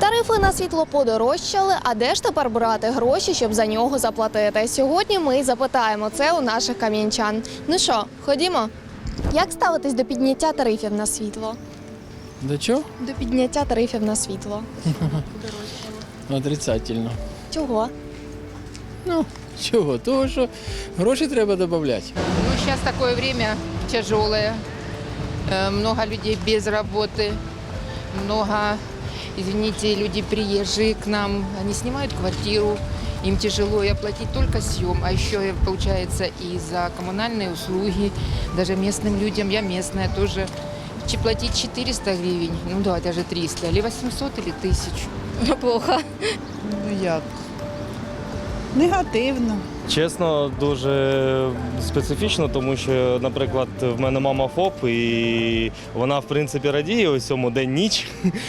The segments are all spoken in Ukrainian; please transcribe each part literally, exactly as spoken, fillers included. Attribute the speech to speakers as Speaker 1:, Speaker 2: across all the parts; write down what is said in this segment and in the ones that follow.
Speaker 1: Тарифи на світло подорожчали, а де ж тепер брати гроші, щоб за нього заплатити? Сьогодні ми й запитаємо це у наших кам'янчан. Ну що, ходімо? Як ставитись до підняття тарифів на світло?
Speaker 2: До чого?
Speaker 1: До підняття тарифів на світло.
Speaker 2: Отрицательно.
Speaker 1: Чого?
Speaker 2: Ну, чого? Того, що гроші треба додати.
Speaker 3: Ну, сейчас такое время тяжелое, Э, много людей без работы, много, извините, люди приезжие к нам, они снимают квартиру, им тяжело и оплатить только съем, а еще получается и за коммунальные услуги, даже местным людям, я местная тоже, че- платить четыреста гривен, ну да, даже триста, или восемьсот, или тысячу.
Speaker 1: Плохо.
Speaker 4: Ну як? Негативно.
Speaker 5: Чесно, дуже специфічно, тому що, наприклад, в мене мама ФОП, і вона, в принципі, радіє ось цьому день-ніч.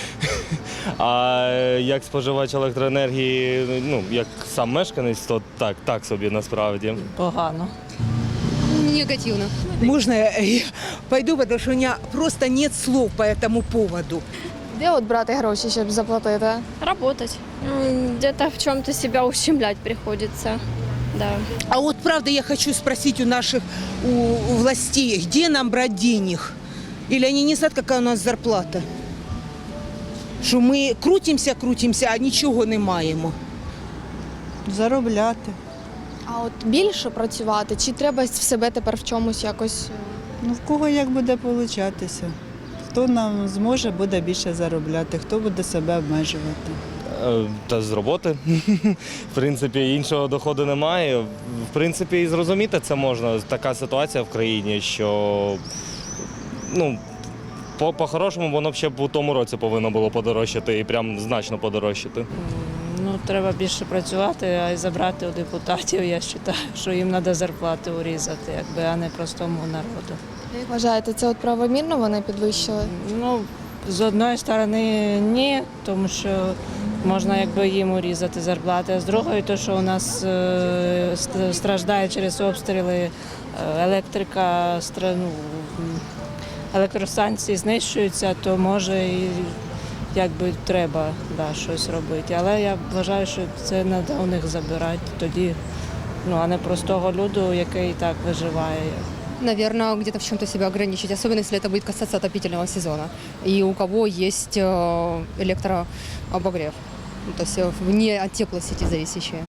Speaker 5: А як споживач електроенергії, ну, як сам мешканець, то так, так собі насправді.
Speaker 6: Погано.
Speaker 7: Негативно.
Speaker 8: Можно я пойду, потому что у меня просто нет слов по этому поводу.
Speaker 1: Де от брати гроші, щоб заплатити?
Speaker 7: Работать. М, Где-то в чем-то себя ущемлять приходится. Да.
Speaker 8: А вот правда я хочу спросить у наших у, у властей, где нам брать денег? Или они не знают, какая у нас зарплата? Що ми крутимося, крутимося, а нічого не маємо.
Speaker 4: Заробляти.
Speaker 1: А от більше працювати, чи треба в себе тепер в чомусь якось?
Speaker 4: Ну в кого як буде получатися? Хто нам зможе, буде більше заробляти, хто буде себе обмежувати.
Speaker 5: Е, Та з роботи. В принципі, іншого доходу немає. В принципі, і зрозуміти це можна. Така ситуація в країні, що ну, по- по-хорошому воно б ще б у тому році повинно було подорожчати і прям значно подорожчати.
Speaker 6: Ну, треба більше працювати, а й забрати у депутатів, я вважаю, що їм треба зарплати урізати, якби, а не простому народу.
Speaker 1: Як вважаєте, це от правомірно вони підвищили?
Speaker 6: Ну, з одної сторони ні, тому що можна якби їм урізати зарплати, а з другої, то, що у нас е, ст- страждає через обстріли е, електрика, стра- ну, м, електростанції знищуються, то може і якби треба да, щось робити. Але я вважаю, що це треба у них забирати тоді, ну, а не простого люду, який і так виживає.
Speaker 7: Наверное, где-то в чем-то себя ограничить, особенно если это будет касаться отопительного сезона. И у кого есть э, электрообогрев, ну, то есть э, вне от теплосети зависящие.